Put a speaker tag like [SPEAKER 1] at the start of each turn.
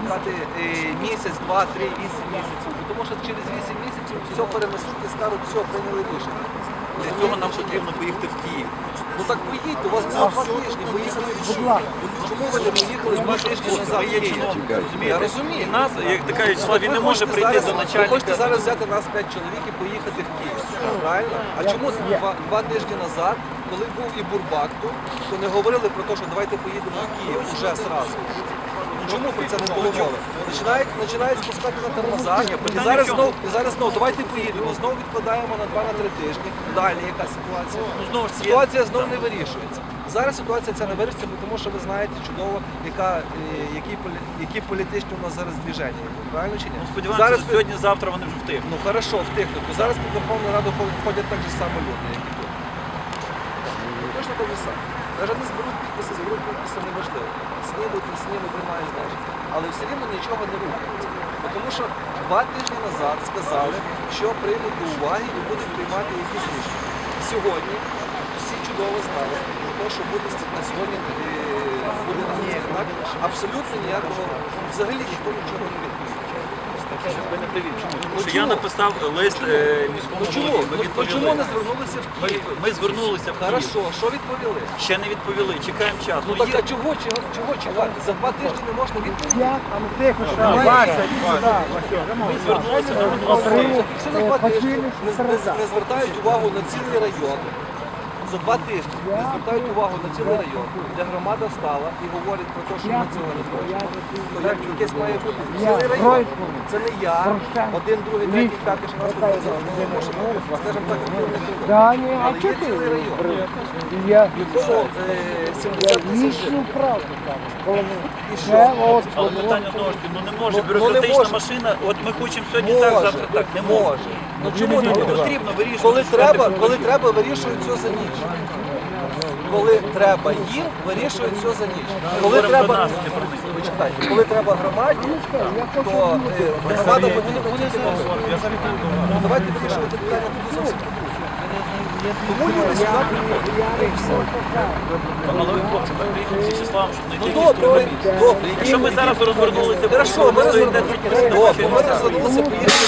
[SPEAKER 1] чекати місяць, 2, 3, 8 місяців. Тому що через 8 місяців все перенесуть і скажуть, все, прийняли рішення.
[SPEAKER 2] Для цього нам потрібно поїхати в Київ.
[SPEAKER 1] Ну так поїдьте, у вас було 2 тижні, поїхали в Київ. Чому ви не поїхали 2 тижні назад в Київ? Я розумію.
[SPEAKER 2] І нас, як така Вячеслав, він не може прийти до
[SPEAKER 1] Ви
[SPEAKER 2] начальника.
[SPEAKER 1] хочете зараз взяти нас 5 чоловік і поїхати в Київ, правильно? А чому 2 тижні назад, коли був і Бурбак тут, то не говорили про те, що давайте поїдемо в Київ уже зразу? Чому про це не було мови? Починають спускати на тормоза, і зараз знову, давайте поїдемо, знову відкладаємо на 2-3 тижні. Далі яка ситуація? Ситуація знову не вирішується. Зараз ситуація ця не вирішується, тому що ви знаєте чудово, які політичні у нас зараз движення. Правильно чи ні?
[SPEAKER 2] Ну, сподіваємося, що сьогодні-завтра вони вже втихнуть.
[SPEAKER 1] Ну хорошо, втихнуть. То зараз під Верховну Раду ходять так же само люди, як і тут. Точно те ж саме. Навіть не зберуть підписи, неважливо. Снідуть, не снідуть, приймає значення. Але все рівно нічого не рухається. Тому що 2 тижні назад сказали, що приймуть до уваги і будуть приймати якісь рішення. Сьогодні всі чудово знали, про те, що буде на сьогодні так, абсолютно ніякого, взагалі ніхто нічого не відповідає.
[SPEAKER 2] Тому що я написав лист міському голові.
[SPEAKER 1] Чому не звернулися в Київ?
[SPEAKER 2] Ми звернулися в Київ.
[SPEAKER 1] Хорошо, що відповіли?
[SPEAKER 2] Ще не відповіли, чекаємо час.
[SPEAKER 1] Ну так а чого чекати? За 2 тижні не можна відповідати?
[SPEAKER 2] Ми звернулися до міністерства.
[SPEAKER 1] Якщо за 2 тижні не звертають увагу на цілий район, за 2 тижні не звертають увагу на цілий район, де громада встала і говорить про те, що ми цього не хочемо, то як якесь має бути цілий район. Це не я, 1, 2, 3, 5, 16, 17, скажімо так, але є цілий район, в якому 70 тисяч жителів. І що?
[SPEAKER 2] Але питання знову ж таки, ну не може бюрократична машина, от ми хочемо сьогодні так, завтра так, не може.
[SPEAKER 1] Ну чому не може?
[SPEAKER 2] Потрібно вирішувати.
[SPEAKER 1] Коли треба, вирішують все за ніч. Коли треба їм, вирішують все за ніч. Коли треба, коли треба громаді, то громада вони не можуть. Давайте вирішувати питання тоді зовсім по-друге. Тому люди сюди приходять.
[SPEAKER 2] Але ви, хлопці, ми приїхали з Вячеславом, щоб знайти
[SPEAKER 1] Ну
[SPEAKER 2] якийсь
[SPEAKER 1] добре,
[SPEAKER 2] компроміс. Якщо ми зараз розвернулися,
[SPEAKER 1] Хорошо, ми розвернулися, поїхали.